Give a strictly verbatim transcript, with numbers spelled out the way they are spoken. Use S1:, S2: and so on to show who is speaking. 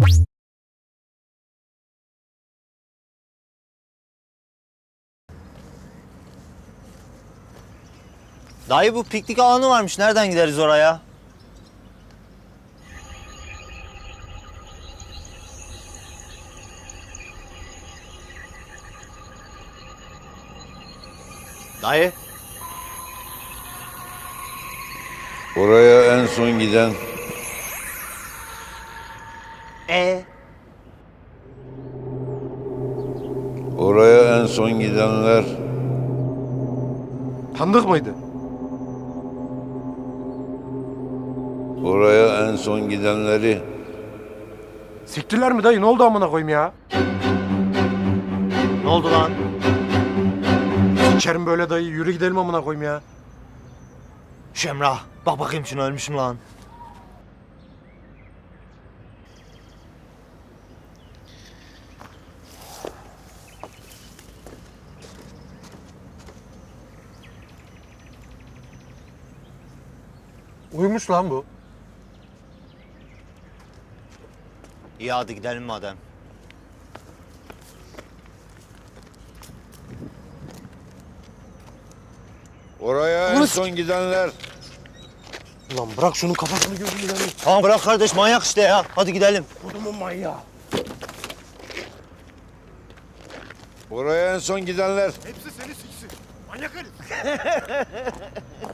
S1: Dayı bu piknik alanı varmış. Nereden gideriz oraya? Dayı.
S2: Oraya en son giden
S1: E
S2: Oraya en son gidenler
S3: Tanıdık mıydı?
S2: oraya en son gidenleri
S3: Siktiler mi dayı? Ne oldu amına koyayım ya?
S1: ne oldu lan?
S3: Sikerim böyle dayı. Yürü gidelim amına koyayım ya.
S1: Şemrah. Bak bakayım şuna, ölmüşüm lan.
S3: Uyumuş lan bu.
S1: İyi hadi gidelim madem.
S2: oraya en son gidenler
S3: Ulan bırak şunun kafasını gözünü dayı.
S1: Tamam bırak kardeş, manyak işte ya. Hadi gidelim.
S3: Kodumun manyağı.
S2: oraya en son gidenler
S3: Hepsi seni siksin. Manyak herif.